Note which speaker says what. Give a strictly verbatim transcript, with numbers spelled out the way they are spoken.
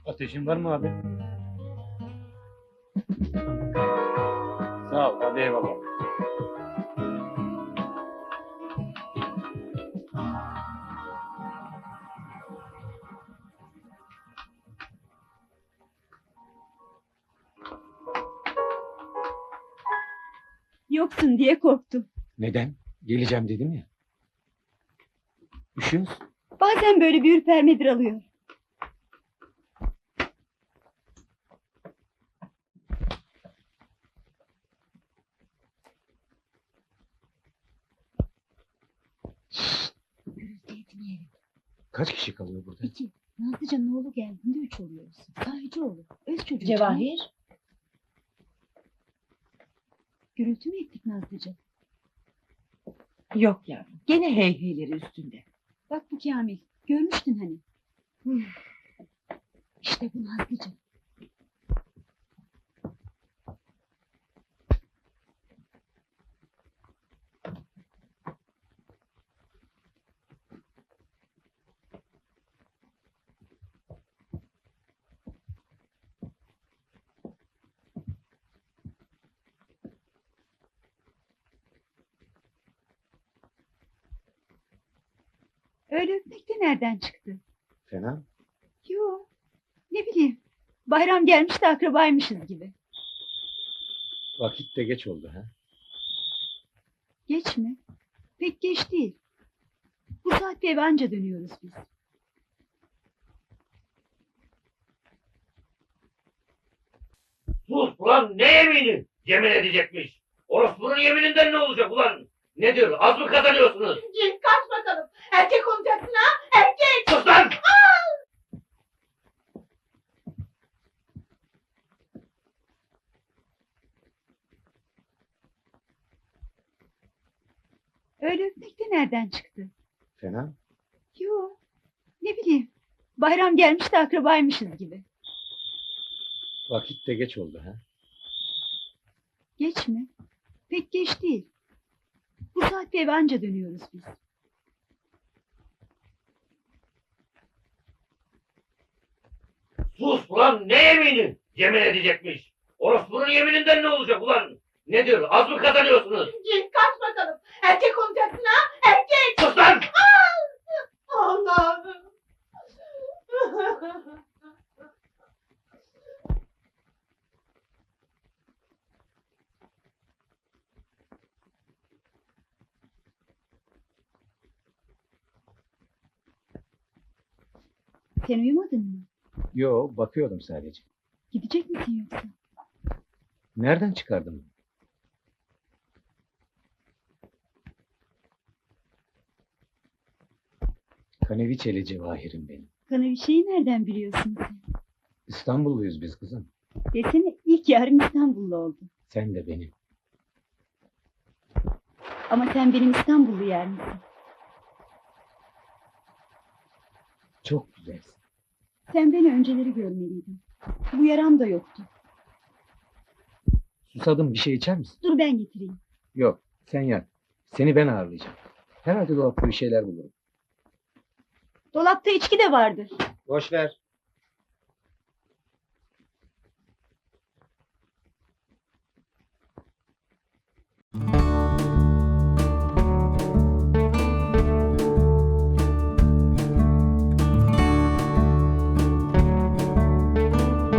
Speaker 1: Ateşin var mı abi? Sağ ol, hadi eyvallah.
Speaker 2: Yoksun diye korktum.
Speaker 1: Neden? Geleceğim dedim ya. Üşüyor musun?
Speaker 2: Bazen böyle bir ürpermedir alıyor. Gürültü etmeyelim.
Speaker 1: Kaç kişi kalıyor burada?
Speaker 2: İki. Nazlıcan'ın oğlu geldiğinde üç oluyoruz. Sahici oğlu. Öz çocuğu.
Speaker 3: Cevahir.
Speaker 2: Gürültü mü ettik Nazlıcan?
Speaker 3: Yok yavrum. Gene heyheyleri üstünde.
Speaker 2: Bak bu Kamil. Görmüştün hani. İşte bu Nazlıcan. Öyle öpmek de nereden çıktı?
Speaker 1: Fena.
Speaker 2: Yo. Ne bileyim. Bayram gelmiş de akrabaymışız gibi.
Speaker 1: Vakit de geç oldu ha.
Speaker 2: Geç mi? Pek geç değil. Bu saatte eve anca dönüyoruz biz.
Speaker 4: Sus ulan, ne yemini? Yemin edecekmiş. Orospunun yemininden ne olacak ulan? Nedir, az mı kazanıyorsunuz?
Speaker 3: Git kaç bakalım. Erkek olacaksın ha. Erkek.
Speaker 4: Sus lan!
Speaker 2: Öyle öpmek de nereden çıktı?
Speaker 1: Fena.
Speaker 2: Yo. Ne bileyim. Bayram gelmiş de akrabaymışız gibi.
Speaker 1: Vakit de geç oldu ha.
Speaker 2: Geç mi? Pek geç değil. Bu saatte eve anca dönüyoruz biz.
Speaker 4: Sus ulan, ne yemini? Yemin edecekmiş. Orospunun yemininden ne olacak ulan? Nedir, az mı kazanıyorsunuz?
Speaker 3: Git kaç bakalım. Erkek olacaksın ha. Erkek.
Speaker 4: Sus lan!
Speaker 3: Allah'ım.
Speaker 2: Sen uyumadın mı?
Speaker 1: Yo, bakıyordum sadece.
Speaker 2: Gidecek misin yoksa?
Speaker 1: Nereden çıkardın bunu? Kaneviçeli Cevahir'im benim.
Speaker 2: Kanaviçeyi nereden biliyorsun sen?
Speaker 1: İstanbulluyuz biz kızım.
Speaker 2: Desene ilk yarın İstanbullu oldu.
Speaker 1: Sen de benim.
Speaker 2: Ama sen benim İstanbullu yer misin?
Speaker 1: Çok güzelsin.
Speaker 2: Sen beni önceleri görmeliydin. Bu yaram da yoktu.
Speaker 1: Susadım, bir şey içer misin?
Speaker 2: Dur ben getireyim.
Speaker 1: Yok, sen yat. Seni ben ağırlayacağım. Herhalde dolapta bir şeyler bulurum.
Speaker 2: Dolapta içki de vardır.
Speaker 1: Boş ver.